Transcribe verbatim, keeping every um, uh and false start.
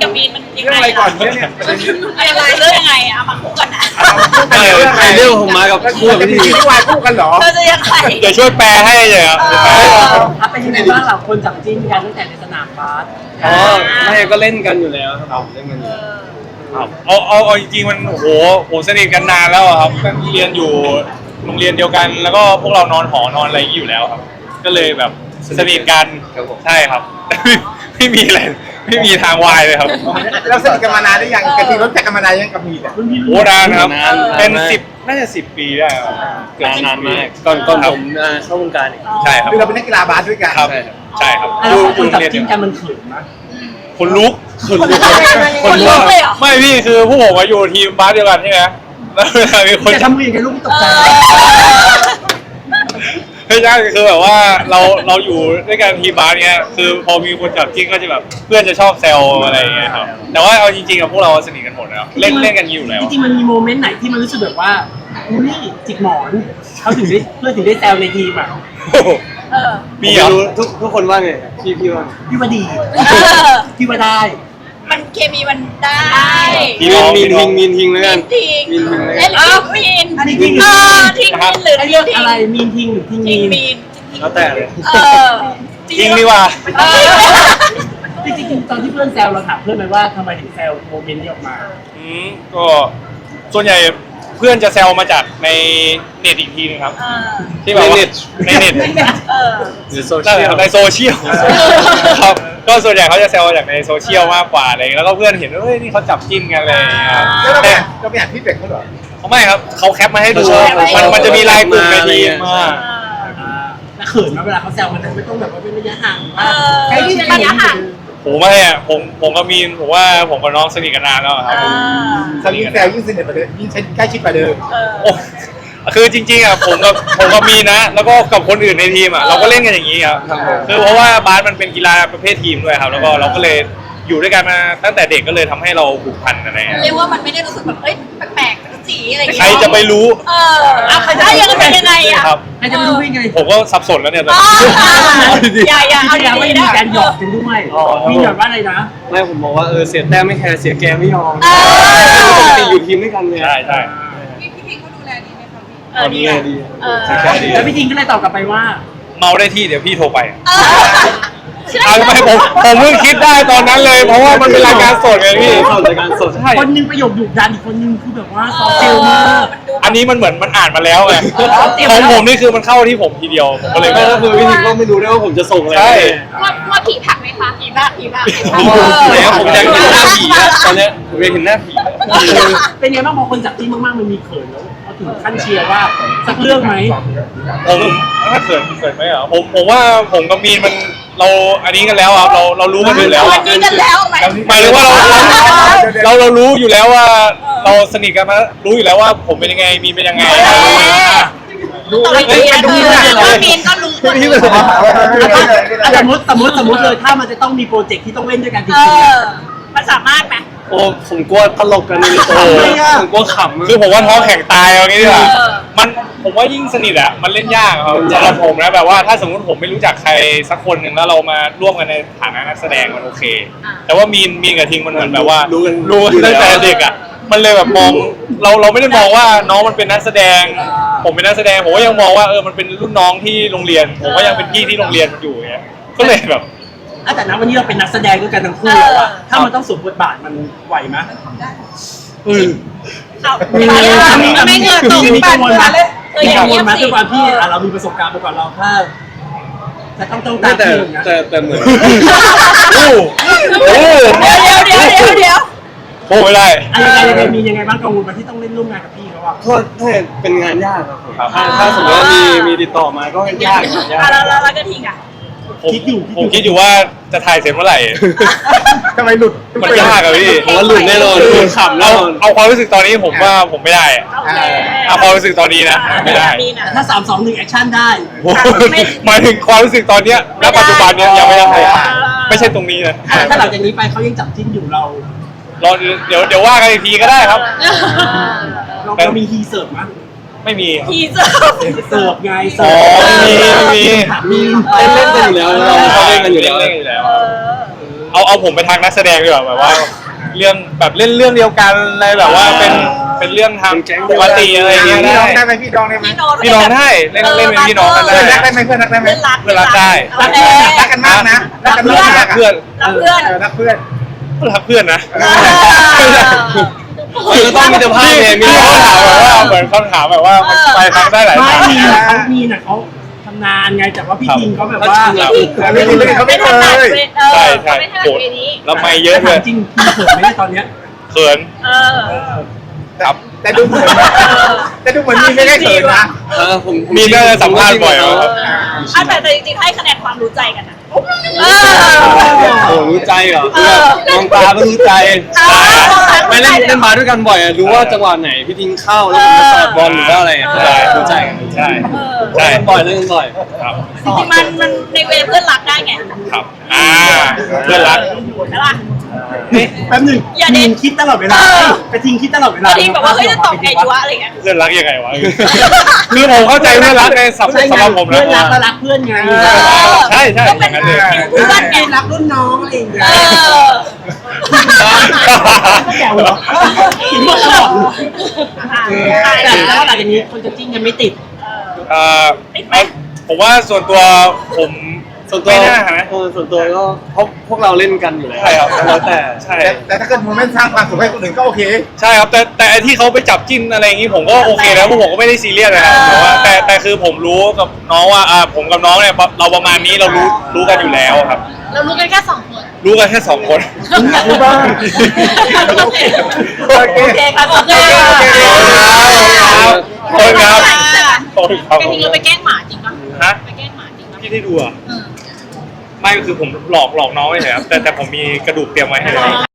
กับมีนมันยังเรื่องไงอะไรก่อนเนี่ยอะไรเรื่องยังไงอะมาคู่กันนะเออเรื่องผมมากับคู่กับพี่ทีที่วายคู่กันเหรอเธอจะยังไงเดี๋ยวช่วยแปลให้เลยครับถ้าเป็นยังไงบ้างเราคนจับจิ้นกันตั้งแต่ในสนามบาสอ๋อไม่ก็เล่นกันอยู่แล้วครับเล่นกันอยู่ครับเอาเอาเอาจริงๆมันโอ้โหผมสนิทกันนานแล้วอะครับเรียนอยู่โรงเรียนเดียวกัน แล้วก็พวกเรานอนหอนอนอะไรอย่างนี้อยู่แล้วครับ ก็เลยแบบสนิทกันใช่ครับ ไม่มีอะไรไม่มีทางวายเลยครับเราสนิทกันมานานหรือยังกะทิรู้จักกันมานานยังกับมีเนี่ยโอ้นานครับเป็นสิบน่าจะสิบปีได้ครับเกิดนานมากก่อนก่อนผมเข้าวงการอีกใช่ครับคือเราเป็นนักกีฬาบาสด้วยกันครับใช่ครับแล้วคนจับจิ้นกันมันเขินไหมคนลุกคนลุกคนลุกเลยเหรอไม่พี่คือพวกผมมาอยู่ทีมบาสเดียวกันใช่ไหมแล้วเวลามีคนจะทำมืออย่างไรลูกตกใจไม่ใช่คือแบบว่าเราเราอยู่ด้วยกันทีมบาสเนี้ยคือพอมีคนจับจิ้นก็จะแบบเพื่อนจะชอบแซวอะไรอย่างเงี้ยครับแต่ว่าเอาจริงๆกับพวกเราสนิทกันหมดแล้วเล่นเล่นกันอยู่แล้วจริงๆมันมีโมเมนต์ไหนที่มันรู้สึกแบบว่าอุ้ยจิกหมอนเขาถึงได้เพื่อนถึงได้แซวในทีมอ่ะเออมีเหรอรู้ทุกทุกคนว่าไงพี่พี่ว่าพี่ว่าดีเออพี่ว่าได้มันเคมีมันได้มีนมีนทิงมีนทิงแล้วกันทิ้งมีนทิงแล้วเล่กันนทิ้งมีนอันนี้ทิ้งเออทิ้งมีนหรือไอ้ทิ้เรื่องงอะไรมีนทิ้งหรือทิ้งทิ้มีงนมีนแล้วแต่เลยเออจริงดีว่าเออจริงๆตอนที่เพื่อนแซวเราถามเพื่อนไหมว่าทำไมถึงแซวโมเมนต์นี้ออกมาอืมก็ส่วนใหญ่เพื่อนจะแซวมาจากในเน็ตอีกทีนึงครับเออที่แบบว่าในเน็ตเออหรือโซนั่นเชีแหยละลในโซเชียลครับก็ส่วนใหญ่เขาจะแซวมาจากในโซเชียลมากกว่าอะไรอย่างเงี้ยแล้วก็เพื่อนเห็นว่าเฮ้ยนี่เขาจับจิ้นกันอะไรอย่างเลยครับแล้วเราไปแต่เราไปอ่านพี่เป็กเขาเหรอเขาไม่ครับเขาแคปมาให้ดูเขาแคปมาให้ดูมันมันจะมีไลน์กลุ่มในทีมอ่าแล้วเขินไหมเวลาเขาแซวมันไม่ต้องแบบว่าเป็นระยะห่างเออใครที่ระยะห่างผมไม่อะผมผมกับมีนผมว่าผมกับน้องสนิทกันนานแล้วอะครับผมสนิทแซวยิ่งสนิทกว่าเดิมยิ่งใกล้ชิดกว่าเดิมเออโอ้คือจริงๆอะผมกับผมกับมีนนะ แล้วก็กับคนอื่นในทีมอะเราก็เล่นกันอย่างนี้ครับคือเพราะว่าบาสมันเป็นกีฬาประเภททีมด้วยครับ แล้วก็เราก็เลยอยู่ด้วยกันมาตั้งแต่เด็กก็เลยทำให้เราผูกพันอะไรอย่างเงี้ยเรียกว่ามันไม่ได้รู้สึกแบบเอ้ยแปลกๆสีอะไรอย่างใครเงี้ยจะไปรู้เออเอาใครจะยังเป็นยังไงอ่ะครับใครจะไม่รู้ได้ไงผมก็สับสนแล้วเนี่ยตอนอ๋อนี้อย่าอย่าที่เอาแล้วไม่ดีๆมีนะการหยอกกันด้วยมีหยอกว่าอะไรนะไม่ผมบอกว่าเออเสียแต้มไม่แคร์เสียแกมไม่ยอมเออปกติอยู่ทีมด้วยกันไงใช่ใช่เออดีอ่ะเออแล้วพี่ทิงก็เลยตอบกลับไปว่าเมาได้ที่เดี๋ยวพี่โทรไปเออใช่เอาทำไมผมผมเพิ่งคิดได้ตอนนั้นเลย เพราะว่ามันเป็นรายการสดไงพี่สดรายการสดใช่คนหนึงประโยคดุดันอีกคนหนึงคือแบบว่าซอฟต์เซลมากอันนี้มันเหมือนมันอ่านมาแล้วไงเออเตรียมขมาองแล้วผมนี่คือมันเข้าที่ผมทีเดียวผมก็เลยไม่ไม่ก็คือพี่ทิงก็ไม่รู้ด้วยว่าผมจะส่งอะไรใช่ว่าว่าผีผักไหมคะผีผักผีผักโอ้โหไหนอะผมอยากเห็นหน้าผีอะตอนเนี้ยผมอยากเห็นหน้าผีเป็นไงบ้างพอคนจับจิ้นมากๆมันมีเขินแล้วเขาถึงขั้นเชียร์ว่าสักเรื่องไหมผมถ้าเขินเขินไหมอ่ะผมผมว่าผมกับมีนมันเราอันนี้กันแล้วครับเราเรารู้กันอยู่แล้ววัอะนนี้กันแล้วไหมหมายถึงว่าเราเราเรารู้อยู่แล้วว่า เราสนิทกันมารู้อยู่แล้วว่าผมเป็นยังไงมีนเป็นยังไงดูเลยดูเลยว่ามีนก็รู้คนนี้อ่ะสมมติสมมติสมมติเลยถ้ามันจะต้องมีโปรเจกต์ที่ต้องเล่นด้วยกันจเอริงๆออะมันสามารถไหมโอ้ผมกลัวตลกกันเลยโอ้โหผมกลัวขำคือผมว่าท้องแข็งตายเอางี้ดีกว่าเออมันผมว่ายิ่งสนิทอ่ะมันเล่นยากครับสำหรับผมนะแบบว่าถ้าสมมติผมไม่รู้จักใครสักคนหนึ่งแล้วเรามาร่วมกันในฐานะนักแสดงมันโอเค แต่ว่ามีนมีนกับทิงมันเหมือนแบบว่ารู้กันรู้กันตั้งแต่เด็กอ่ะมันเลยแบบมองเราเราไม่ได้มองว่าน้องมันเป็นนักแสดง ผมเป็นนักแสดงผมก็ยังมองว่าเออมันเป็นรุ่นน้องที่โรงเรียน ผมก็ยังเป็นพี่ที่โรงเรียนมันอยู่อย่างเงี้ยก็เลยแบบอ่ะแต่นะวันนี้เราเป็นนักแสดงด้วยกันทั้งคู่แล้วอะถ้ามันต้องสวมบทบาทมันไหวไหมเออเอาไม่เงินตรงมีกังวลไหมเออมีอย่ากังวเงีลยบไหมสิด้วยความที่อ่ะเรามีประสบการณ์มาก่อนเราถ้าจะต้องต้องตาไม่มแต่ที่นะแต่แต่เหมือนโอ้โหเดี๋ยวเดี๋ยวเดี๋ยวเดี๋ยวเดี๋ยวโอ้ไม่ได้อะไรยังไงยังไงมียังไงบ้างกังวลไหมที่ต้องเล่นร่วมงานกับพี่เขาอะก็ถ้าเป็นงานยากครับผมครับถ้าถ้าสมมติว่ามีมีติดต่อมาก็ยากยากอ่ะแล้วแล้วแล้วก็ทิ้งอ่ะผมผมคิดอยู่ว่าจะถ่ายเสร็จเมื่อไหร่ทำไมหลุดมันยากอะพี่ผมว่าหลุดแน่นอนหลุดขำแน่เอานอนเอาความรู้สึกตอนนี้ผมว่าผมไม่ได้อะโอเคเอาความรู้สึกตอนนี้นะไม่ได้มีนะแต่ถ้าสามสองหนึ่งแอคชั่นได้โอ้โหหมายถึงความรู้สึกตอนเนี้ยณปัจจุบันเนี้ยยังไม่ได้ไม่ใช่ตรงนี้นะอ่ะถ้าหลังจากนี้ไปเขายังจับจิ้นอยู่เรารอเดี๋ยวเดี๋ยวว่ากันอีกทีก็ได้ครับเราเรามีฮีเสิร์ฟมั้ยไม่มีทีเซอร์เสิร์ฟไงอ๋เสิอร์ฟมีมีมีเล่นเล่นกันอยู่แล้วเราเขาเล่เล่นนกักัน นออยู่ ยู่แล้แล้ว วเล่นกันอยู่แล้วเออเอาเอาผมไปทางนักแสดงดีกว่าแบบว่า เรื่องแบบเล่นเรื่องเดียวกันอะไรแบบว่าเป็นเป็นเรื่องทางปกติอะไรอย่างเงี้ยพี่ได้น้องได้ไหมพี่น้องได้ไหมพี่น้องได้เล่นเล่นเป็นพี่น้องกันเพื่อนรักได้ได้ไหมเพื่อนรักได้ไหมเพื่อนรักเพื่อนรักได้โอเครักกันมากนะรักกันมากรักเพื่อนรักเพื่อนเออรักเพื่อนรักเพื่อนนะเออมันก็ต้องมีแต่ภาพเนี่ยมีมีภาเขาพถามแบบว่าเหมือนเขาถามแบบว่ามันไปทางได้หลายไม่ทางมีนะเขามีนะเขาทำนานไงแต่ว่าพี่ทิงเขาแบบว่าครับไม่รู้เลยเขาไม่เคยใช่ใช่ไม่ถนัดโหดเวนี้แล้วไม่เยอะเลถามยจริงพี่เขินไหมเนี่ยตอนเนี้ยเขินเออครับแต่ดูเหมือนแต่ดูเหมือนมีไม่ได้เขินนะเออผมผมีน่าจะสัมภาษณ์บ่อยเหรอครับอ่ะแต่แต่จริงๆให้คะแนนความรู้ใจกันนะเออโอ้รู้ใจเหรอเออมองตาก็รู้ใจเออไม่เล่นเล่นบาสด้วยกันบ่อยอะรู้ว่าจังหวะไหนพี่ทิ้งเข้าแล้วผมจะสอดบอลหรือว่าอะไรอะเออใช่รู้ใจกันใช่เออใช่เล่นบ่อยเล่นกันบ่อยครับจริงๆมันมันในเวเพื่อนรักได้ไงครับอ่าเพื่อนรักใช่ปะนี่แป๊บหนึงอย่าเด็ทิดงคิดตลอดเวลาเออไปทิงคิดตลอดเวลาบางทีแบบว่าเฮ้ยจะตอบไงดีวะอะไรเงี้ยเพื่อนรักยังไงวะ คือผมเข้าใจเพื่อนรักในสับสำหรับผมเพื่นะอนรักก็รักเพื่อนไงเออใช่ใช่ก็เป็นอย่างนั้นเลยเพื่อนไงรักรุ่นน้องอะไรอย่างเงี้ยเออก็แกวเหรอถึงบอกตลอดแต่แต่ว่าหลังจากนี้คนจะจิ้นยังไม่ติดเอ่อผมว่าส่วนตัวผมส่วนตัวไม่น่านะเออส่วนตัวก็เพราะพวกเราเล่นกันอยู่แล้วใช่ครับแล้วแต่ใช่แต่แต่ถ้าเกิดโมเมนต์สร้างความสุขให้คนอื่นก็โอเคใช่ครับแต่แต่ไอ้ที่เขาไปจับจิ้นอะไรอย่างงี้ผมก็โอเคนะพวกผมก็ไม่ได้ซีเรียสนะครับแต่ว่าแต่แต่คือผมรู้กับน้องว่าอ่าผมกับน้องเนี่ยเราประมาณนี้เรารู้รู้กันอยู่แล้วครับเรารู้กันแค่สองคนรู้กันแค่สองคนอยากรู้บ้างโอเคโอเคโอเคครับโอเคโอเคขอบคุณครับขอบคุณครับแกทิ้งเราไปแกล้งหมาจริงปะฮะไปแกล้งหมาจริงปะพี่ได้ดูอ่ะเออไม่คือผมหลอกหลอกน้องเฉยๆครับแต่แต่ผมมีกระดูกเตรียมไว้ให้แล้ว